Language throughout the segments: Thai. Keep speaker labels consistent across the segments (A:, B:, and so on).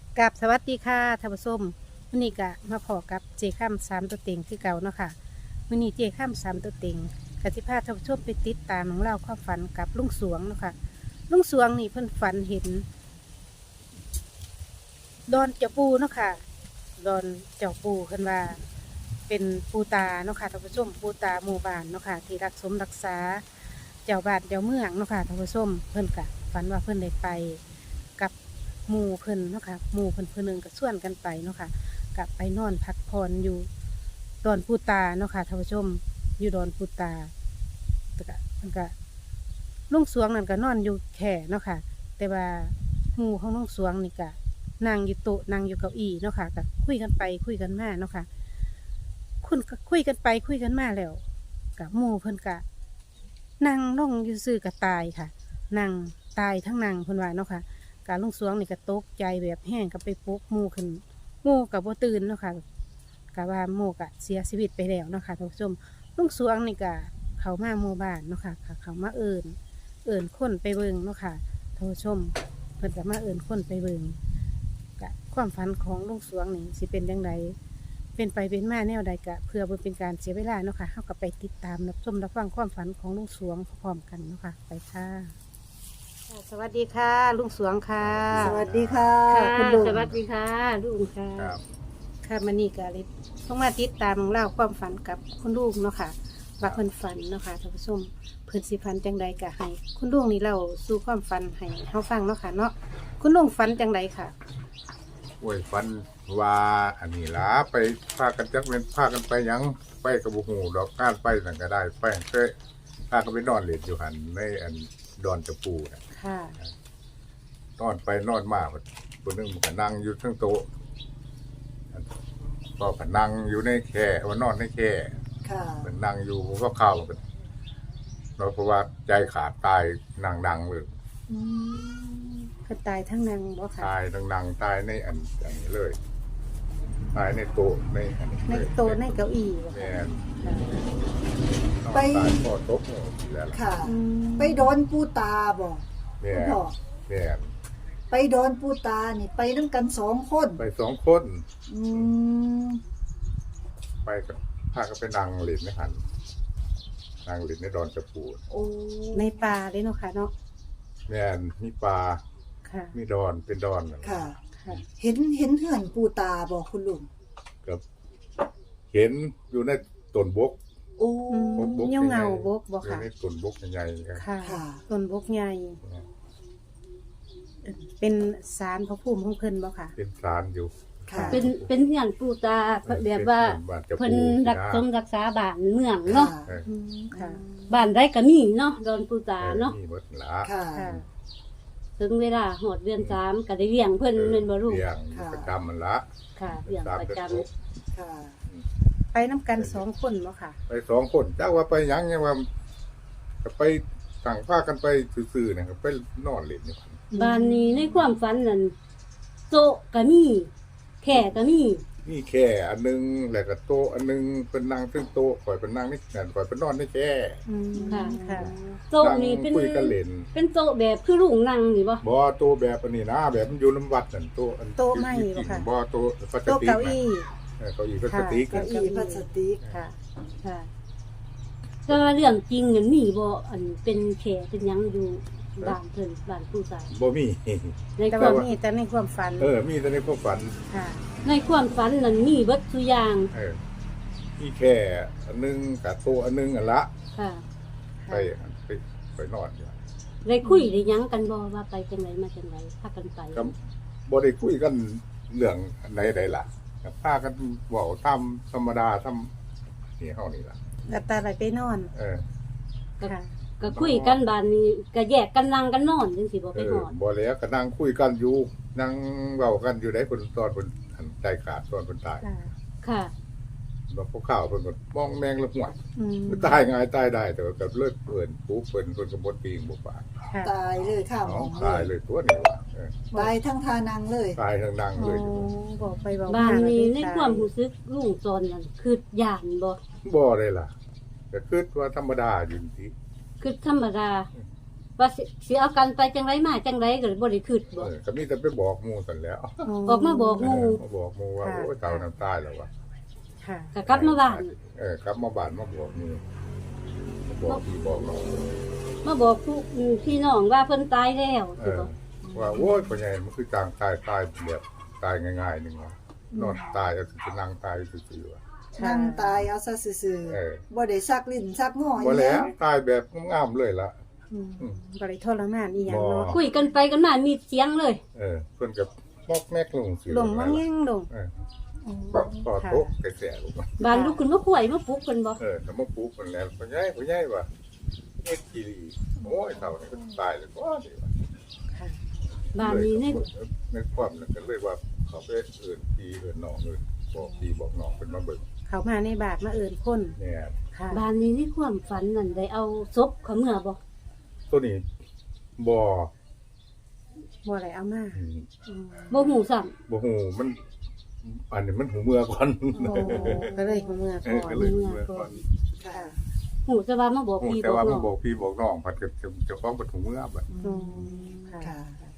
A: กับสวัสดีค่ะท่านผู้ชมมื้อนี้ก็มาพอกับเจข้ามสามตัวเต็งคือเก่าเนาะค่ะมื้อนี้เจข้ามสามตัวเต็งกสิพาท่านผู้ชมไปติดตามของเราความฝันกับลุงสวงเนาะค่ะลุงสวงนี่เพิ่นฝันเห็นดอนเจ้าปูเนาะค่ะดอนเจ้าปูเพิ่นว่าเป็นปูตาเนาะค่ะท่านผู้ชมปูตาหมู่บ้านเนาะค่ะที่รักสมรักษาเจ้าบ้านเจ้าเมืองเนาะค่ะท่านผู้ชมเพิ่นก็ฝันว่าเพิ่นได้ไปกับหมู่เพิ่นเนาะค่ะหมู่เพิ่นเพิ่นหนึงก็ชวนกันไปเนาะค่ะก็ไปนอนพักผ่อนอยู่ดอนปูตาเนาะค่ะท่านผู้ชมอยู่ดอนปูตาแต่ก็เพิ่นก็ลุงสวงนั่นก็นอนอยู่แค่เนาะค่ะแต่ว่าหมู่ของลุงสวงนี่ก็นั่งอยู่โต๊ะนั่งอยู่เก้าอี้เนาะค่ะก็คุยกันไปคุยกันมาเนาะค่ะคุณก็คุยกันไปคุยกันมาแล้วกับหมู่เพิ่นก็นั่งลงอยู่ซื่อๆก็ตายค่ะนั่งตายทั้งนั่งเพิ่นว่าเนาะค่ะ การลุงสวงนี่ก็ตกใจแบบแห้งก็ไปปลุกหมู่ขึ้นหมู่กับบ่ตื่นเนาะค่ะก็ว่าหมู่ก็เสียชีวิตไปแล้วเนาะค่ะท่านผู้ชมลุงสวงนี่ก็เขามาหมู่บ้านเนาะค่ะก็เขามาเอิ้นคนไปเบิ่งเนาะค่ะท่านผู้ชมเพิ่นก็มาเอิ้นคนไปเบิ่งก็ความฝันของลุงสวงนี่สิเป็นจังไดเป็นไปเป็นมาแนวใดก็เพื่อบ่เป็นการเสียเวลาเนาะค่ะเฮาก็ไปติดตามรับชมรับฟังความฝันของลุงสวงพร้อมกันเนาะค่ะไปค่ะสวัสดีค่ะลุงสวงค่ะ
B: สวัสดีค่ะ
A: ค่ะ
B: คุณลุง
A: สวัสดีค่ะลุงค่ะ
C: ครับ
A: ค่ะมันนี่ก็เลยต้องมาติดตามเล่าความฝันกับคุณลุงเนาะค่ะว่าเพิ่นฝันเนาะค่ะท่านผู้ชมเพิ่นสิฝันจังใดก็ให้คุณลุงนี่เล่าสู่ความฝันให้เฮาฟังเนาะค่ะเนาะคุณลุงฝันจังใดค่ะ
C: โอ้ยฟันว่าอันนี้ล่ะไปพากันจักเป็นพากันไปหยังไปกับบุหูดอกก้านไปนั่นก็ได้ไปเคยพากันไปนอนเล่นอยู่หันในอันดอนตะปูน่ะ
A: ค่ะ
C: นอนไปนอนมาคนนึงมันก็นั่งอยู่ทั้งโต๊ะก็ก็นั่งอยู่ในแคร่ว่านอนในแคร่
B: ค่ะ
C: มันนั่งอยู่ก็เข้ากันเราเพราะว่าใจขาดตายนั่งเลย
A: อืมเพิ่นตายทั้งนางบ่ค่ะ
C: ตายนั่งตายในอันนี้เลย ตายในโต๊ะในอันนี้
A: ใน
C: เลย
A: โต๊ะในเก้าอี้บ่
C: แม่
A: ค่ะ
C: น
A: ค่ะ
C: ไปตายพอตกแล้วล่ะ
B: ค่ะ
A: อืม
B: ไปโดนปูตาบอก
C: แม่
B: คุณพ่อ
C: แม่
B: ไปโดนปูตานี่ไปน้ำกัน2 คน
C: ไปสองคน
B: อืม
C: ไปกับพากันไปนั่งหลินในหันนั่งหลินในดอนจะปู
B: โอ้
A: ในป่าเลยเนาะค่ะเนาะ
C: แม่นมีปลา
A: ค่ะ
C: มีดอนเป็นดอนนั่น
B: ค่ะ
A: ค่ะ
B: เห็นเหือนปูตาบอกคุณลุง
C: กับเห็นอยู่ในต้นบก
B: โอ้
A: อืมเงาบกบ่
C: อยู่
A: ค่ะ
C: ในต้นบกใหญ่ๆครับ
A: ค่ะ
B: ค่ะ
A: ต้นบกใหญ่ เป็นศาลพระภูมิของเพิ่นบ่ค่ะ
C: เป็นศาลอยู่
B: ค่ะ
D: เป็นเงื่อนปูตาแบบว่า
C: บ้านจะ
D: เพิ่น
C: ปู
D: รักสมรักษาบ้านเมืองเนาะ
C: เออ
A: อืมค่ะ
D: บ้านได้ก็มีเนาะดอนปูตาเนาะ
C: มีหมดละ
B: ค่ะ
A: ค่ะ
D: ถึงเวลาหอดเดือน3ก็ได้เลี้ยงเพิ่นเป็นบ่ลูก
C: เลี้ยง
B: ค่ะ
C: ประจำมันละ
D: ค่ะเลี้ยงประจำ
B: ค่ะ
A: ไปน้ำกัน2 คนบ่ค่ะ
C: ไปสองคนจ้าว่าไปหยังเนี่ยว่าก็ไปสั่งผ้ากันไปซื่อๆนะครับไปนอนเล่นอยู่
D: บ้านนี้ในความฝันนั่นโต๊ะก็มีแค่ก็มี
C: นี่แค่อันนึงแล้วก็โต๊ะอันนึงเป็นนั่งซึ่งโต๊ะข่อยเป็นนั่งนี่นั่นข่อยเป็นนอนในแค่
A: อืมค่ะ
D: โต๊ะ
C: นั่ง
D: นี่เป็น
C: คุยกันเล่น
D: เป็นโต๊ะแบบคือลุงนั่งนี่บ่
C: บ่โต๊ะแบบอันนี้นะแบบมันอยู่น้ำวัดนั่นโต๊ะอัน
A: โต๊ะไม้บ่ค่ะ
C: บ่โต๊ะพลาส
A: โต๊ะ
C: ติก
A: เก้า
C: นะ
A: อี้
C: เก้าอี้พลาสติก
A: ค่ะ
B: เก้าอี้พลาสติก
A: ค่ะ
D: ค่ะแต่ว่าเรื่องจริงนั่นมีบ่อันเป็นแค่เป็นหยังอยู่บ้านเพิ่นบ้านปูตา
C: บ่มี
D: ใน
A: แต่
D: ควา
A: ว่าม มีแต่ในความฝัน
C: มีแต่ในความฝัน
A: ค่ะ
D: ในความฝันนั้นมีเบิดทุกอย่าง
C: นี่แค่อันนึงกับโต๊ะอันนึงอันละ
D: ค่ะ
C: ไปไปนอนอยู่
D: ได้คุยได้หยังกันบ่ว่าไปจังไดมาจังไดพากันไป
C: ก็บ่ได้คุยกันเรื่องใดๆล่ะก็พากันเว้าตามธรรมดาทำนี่เฮานี่ล่ะ
A: แล้วตาไหลไปนอน
C: เออ
A: ค่ะ
D: ก็คุยกันบ้านนี้ก็แยกกันนั่งกันนอนจังสิบ่ไปนอน
C: บ่แล้วก็นั่งคุยกันอยู่นั่งเว้ากันอยู่ได้เพิ่นตอนเพิ่นอันใจขาดตอนเพิ่นตาย
A: ค่ะ
D: ค่ะ
C: บ่พวกข้าวเพิ่นก็มองแมงละหวด
A: อืม
C: ตายง่ายตายได้แต่ว่าก็เลิกเพิ่นปุ๊บเพิ่นก็บ่ปีงบ่ปาก
A: ค่ะ
B: ตายเลยค่ะหม
C: เนาะ
B: อ
C: ตายเลยตัวนี้ว่ะ
B: ตายทั้งทานังเลย
C: ตายทั้งนั่ง
A: โอ้
C: เลยอยู่
A: บอกไปบอก
D: บ้านนี้
A: ม
D: ในความรู้สึกลุงตอนนั้นคือย่านบ่
C: บ่ได้ล่ะก็คิดว่าธรรมดาอยู่ที่
D: คือธรรมดาว่าสิเอากันไปจังไรมาจังไรก็บ่ได้คิดบ่
C: ก็มีแต่ไปบอกหมู่ซั่นแหล้ว
D: ออกมาบอกหมู่
C: มาบอกหมู่ว่าโอ้ยเต่าน้ำตายแล้วว่ะ
A: ค่ะ
D: ก็กลับมาบ้าน
C: กลับมาบ้านมาบอกหมู่มาบอกพี่บอกน้อง
D: มาบอกพี่น้องว่าเพิ่นตายแล้ว
C: เอ
D: สิ
C: อ
D: บ่
C: ว่าโอ้ยพ่อใหญ่มันคือจางตายแบบตายง่ายๆนึงว่ะนอนตายก็สินั่งตายซื่อๆว่ะ
B: นั่งตายเอาซะซื่อ
C: เออ
B: ๆบ่ได้ซักลิ้นซักงอ
C: บ่แล้วตายแบบงามๆเลยล่ะ
A: บริทรมานอีหยังเนาะ
D: คุยกันไปกันมามีเสียงเลย
C: เพิ่นกับมอกแมกลงสิ
A: ลงมาแง่งลง
C: ต่อโต๊ะกระแสลงมา
D: บ้านลุกขึ้นมาข่วยมาปลุกเพิ่นบ่
C: แต่มาปลูกมันแล้วพ่อใหญ่ว่ะเฮ็ดกีรีโอ้ยเท่านี้ก็ตายเลยก็ดีว่ะ
A: ค่ะ
D: บ้านนี้เนี่ย
C: ในความนั้นก็เลยว่าเขาไปเอิ้นพี่เอิ้นน้องเอิ้นบอกพี่บอกน้องเพิ่นมาเบิ่ง
A: เขามาในบาทมาเอินคน
C: เนี่ย
A: ค่ะ
D: บ้านนี้ในความฝันนั่นได้เอาศพเขาเมื่อบ่
C: ตัวนี้บ่
A: บ่อะไรเอามา
D: บ่ฮู้ซ้ำ
C: บ่ฮู้มันอันนี้มันหูเมื่อก่อน
A: โอ้ก็เลยหัวเมื่อก่อน
C: ก็เลยหูเมื่อก่อน
B: ค่ะ
D: ฮู้แต่ว่ามาบอก
C: ฮู้
D: พี่
C: แต่
D: บอ
C: ว่าก
D: น้
C: มั
D: อน ง
C: บอกพี่บอกน้องผัดกับเจ้าของปฐมเมื่อบัด
A: อืมค่ะ
B: ค่ะ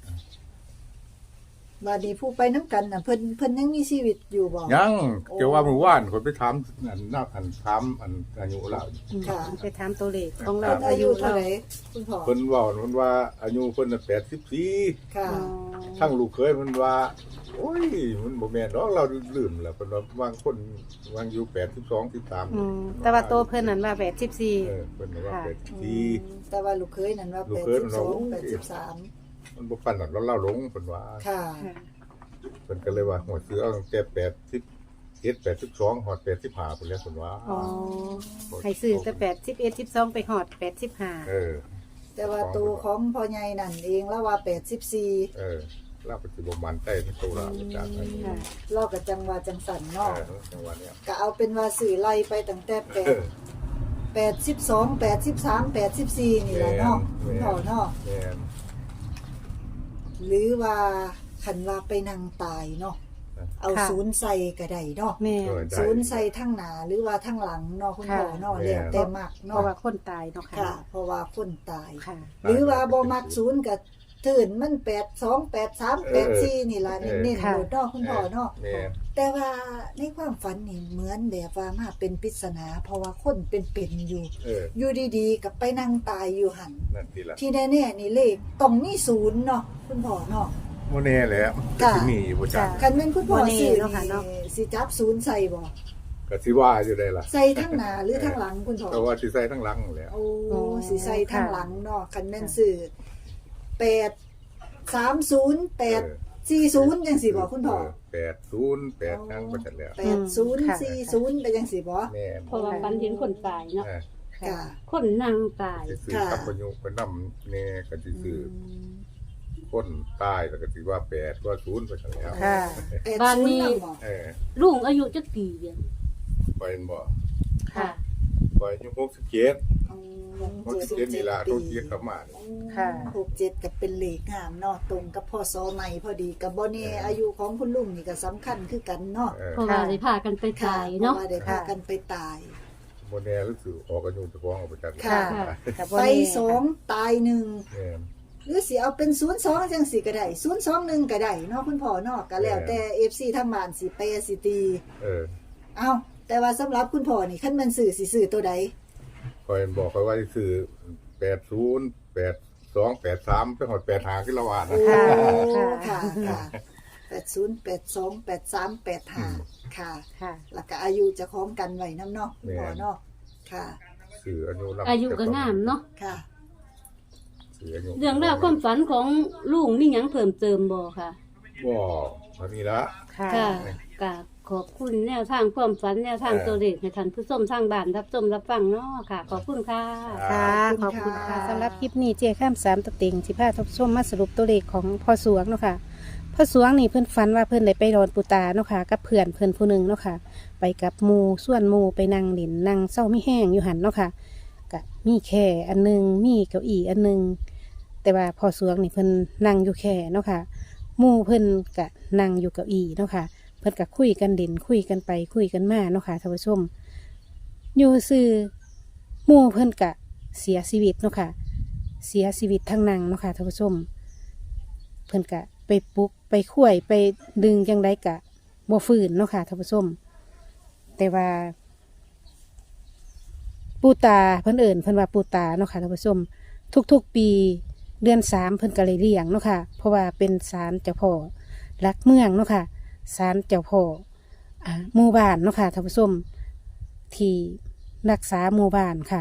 B: บัดนี้ผู้ไปน้ำกันน่ะเพิ่นยังมีชีวิตอยู่บ่
C: ยังเจ้าว่ามื้อวานคนไปถามอันนักอันถามอันอายุเรา
B: ค่ะ
A: ไปถามตัวเลขของเรา
B: เพิ่นอายุเท่าไหร่คุณพ่อ
C: เพิ่นเว้ามันว่าอายุเพิ่นน่ะ84
B: ค่ะ
C: ทั้งลูกเคยมันว่าโอ้ยมันบ่แม่นดอกเราลืมแล้วเพิ่นว่าบางคนวางอยู่82 13
A: แต่ว่าโตเพิ่นนั่นว่า84
C: เพิ่นว่า
A: ค่ะ
C: 84
B: แต่ว่าลูกเคยนั่นว่า
C: ลูกเคยมันว่า
B: 82 83
C: มันบ่ปานนั้นเราหลงเพิ่นว่า
B: ค่ะ
C: เพิ่นก็เลยว่าหัวซื้อเอาตั้งแต่81 82ฮอด85พุ่นแหล้วเพิ่นว่า
A: อ๋อให้ซื้อแต่81 12ไปฮอด85
B: แต่ว่าตัวของพ่อใหญ่นั่นเองแล้วว่า84
C: เราก็สิบ่มั่นใจในตัวเราอาจารย์อันนี้
A: ค่ะ
B: เราก็จังว่าจังสันเนาะ
C: จังหวะเนี้ย
B: ก็เอาเป็นว่าสื่อไล่ไปตั้งแต่82 83 84นี่แหละเนาะคุณพ่อเนาะ
C: แม่น
B: หรือว่าคันว่าไปนั่งตายเนาะเอา
A: ค่ะ
B: ศูนย์ใส่ก็ได้เนาะ
A: แม่
B: ศูนย์ใส่ทั้งหน้าหรือว่าทั้งหลังเนาะคุณพ่อเนาะแล้วแต่มัก
A: เพ
B: เนาะ
A: ราะว่าคนตายเนาะ
B: ค่ะ
A: ค่ะ
B: เพราะว่าคนตาย
A: ค่ะ
B: หรือว่าบ่มักศูนย์ก็ตื่นมัน82 83 84นี่ล่ะเน้นๆ
A: ค่ะ
B: โลดเนาะคุณพ่อเนาะ
C: แม่น
B: แต่ว่าในความฝันนี่เหมือนแบบว่ามาเป็นปริศนาเพราะว่าคนเป็นอยู่ อยู่ดีๆกับไปนั่งตายอยู่หัน
C: นั่นทีละ
B: ที่แน่ๆนี่เลขต้องมีศูนย์เนาะคุณพ่อเนาะ
C: บ่แน่แหละ
B: ค่ะ
C: สิมีอยู่บ่จัก
B: คันแม่นคุณพ่อ
A: บ่แน่
B: ซื้อ
A: เนาะค่ะเนาะ
B: นี่สิจับศูนย์ใส่บ่
C: ก็สิว่าอยู่ได้ล่ะ
B: ใส่ทั้งหน้าหรือทั้งหลังคุณพ่อ
C: แต่ว่าสิใส่ทั้งหลังแหล้ว
B: โอ้สิใส่ทั้งหลังเนาะคันแม่นซื้อ830 840จังสิบ่คุณพ่อ
C: 80 ทั้งบ่จักแล้ว
B: 8040ไปจังสิบ่
C: แม่น
D: เพราะว่าฝันเห็นคนตายเนาะ
B: ค่ะ
D: คนนั่งตาย
C: สิซื้อกับประยุกต์ไปนำแน่ก็สิซื้อคนตายแล้วก็สิว่า8ว่า0ไปจักแล้ว
A: ค่ะ
D: บ้านนี้
B: 80บ่
D: ลุงอายุจักปีเดียว
C: ไปเห็นบ่
D: ค่ะ
C: ไปอายุ67
B: อืม
C: 67นี่ล่ะโตเกียกลับมานี่
A: ค่ะ
B: 67ก็เป็นเลขงามเนาะตรงกับพ่อซอใหม่พอดีกับบ่แน่อายุของคุณลุงนี่ก็สำคัญคือกันเนาะ
D: เพราะว่าได้พากันไป
B: ค่ะ
D: ตาย
B: เพ
D: เนาะ
B: ราะว่าได้พากันไปตาย
C: บ่แน่รู้สึกออกอายุเจ้าของออกไปจัก
B: ค่ะ
A: แต่บ่
B: ไป
A: แน่
B: สองตายหนึ่ง
C: แม่น
B: หรือสิเอาเป็น02จังสิก็ได้021ก็ได้เนาะคุณพ่อเนาะก็แล้วแต่ FC ทางบ้านสิแปรสิตี เอ้าแต่ว่าสำหรับคุณพ่อนี่คันแม่นซื้อสิซื้อตัวใด
C: คอยบอกเขาว่าสิซื้อ80 82 83ไปฮอด85คือละว่านะ
B: โอ้
A: ค่ะ
B: ค่ะ80 82 83 85ค่ะ
A: ค่ะ
B: แล้วก็อายุเจะคล้าของกันไว้นํเนาะคุณพ่อเนาะค่ะ
C: ซื้ออายุนำ
D: อายุก็งามเนาะ
B: ค่ะ
C: ซื้ออายุ
D: เรื่องราวความฝันของลุงมีหยังเพิ่มเติมบ่ค่ะ
C: บ่เท่านี้ละ
A: ค่ะ
D: ค่ะกราบขอบคุณแนวทางความฝันแนวทางตัวเลขให้ท่านผู้ชมทางบ้านรับชมรับฟังเนาะค่ะ ขอบคุณค่ะ
A: ค่ะ ขอบคุณค่ะสำหรับคลิปนี้เจ้ข้าม3ตะติงสิพาทบชมมาสรุปตัวเลขของพ่อสวงเนาะค่ะพ่อสวงนี่เพิ่นฝันว่าเพิ่นได้ไปรอนปูตาเนาะค่ะกับเพื่อนเพิ่นผู้หนึงเนาะค่ะ ไปกับหมู่ส่วนหมู่ไปนั่งเล่นนั่งเศร้ามีแห้งอยู่หันเนาะค่ะก็มีแค่อันหนึงมีเก้าอี้อันหนึงแต่ว่าพ่อสวงนี่เพิ่นนั่งอยู่แค่เนาะค่ะหมู่เพิ่นก็นั่งอยู่เก้าอี้เนาะค่ะเพิ่นก็คุยกันเด่นคุยกันไปคุยกันมาเนาะค่ะท่านผู้ชมอยู่ซื่อหมู่เพิ่นก็เสียชีวิตเนาะค่ะเสียชีวิตทั้งนางเนาะค่ะท่านผู้ชมเพิ่นกะไปปลุกไปคุ้ยไปดึงจังไดกะบ่ฟื้นเนาะค่ะท่านผู้ชมแต่ว่าปูตาเพิ่นเอิ่นเพิ่นว่าปูตาเนาะค่ะท่านผู้ชมทุกๆปีเดือน3เพิ่นก็เลยเลี้ยงเนาะค่ะเพราะว่าเป็นศาลเจ้าพ่อรักเมืองเนาะค่ะศาลเจ้าพ่อหมู่บ้านเนาะค่ะท่านผู้ชมที่รักษาหมู่บ้านค่ะ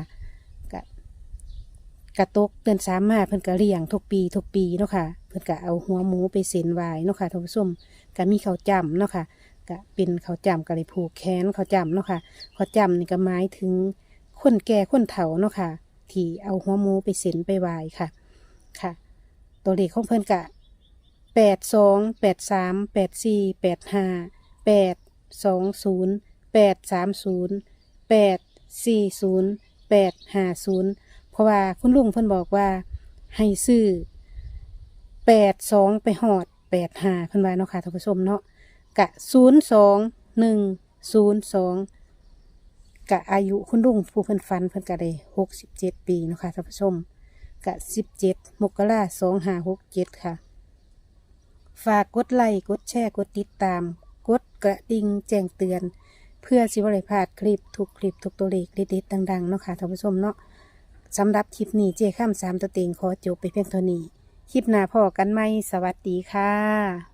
A: กระตกเดือน3มาเพิ่นก็เลี้ยงทุกปีเนาะค่ะเพิ่นก็เอาหัวหมูไปเส้นไหว้เนาะค่ะท่านผู้ชมก็มีข้าวจ้ำเนาะค่ะก็เป็นข้าวจ้ำก็เลยผูกแขนข้าวจ้ำเนาะค่ะข้าวจ้ำนี่ก็หมายถึงคนแก่คนเฒ่าเนาะค่ะที่เอาหัวหมูไปเส้นไปไหว้ค่ะค่ะตัวเลขของเพิ่นก็82834840830840840850เพราะว่าคุณลุงเพิ่นบอกว่าให้ซื้อ82ไปหอด85เพิ่นว่าเนาะค่ะท่านผู้ชมเนาะกะ02102กะอายุคุณลุงผู้เพิ่นฝันเพิ่นก็ได้67ปีเนาะค่ะท่านผู้ชมกะ17 มกราคม 2567ค่ะฝากกดไลค์กดแชร์กดติดตามกดกระดิ่งแจ้งเตือนเพื่อสิบ่ได้พลาดคลิปทุกตัวเลขเด็ดๆดังๆเนาะค่ะท่านผู้ชมเนาะสำหรับคลิปนี้เจ้าข้าม3ตัวเต็งขอจบไปเพียงเท่านี้คลิปหน้าพอกันไหมสวัสดีค่ะ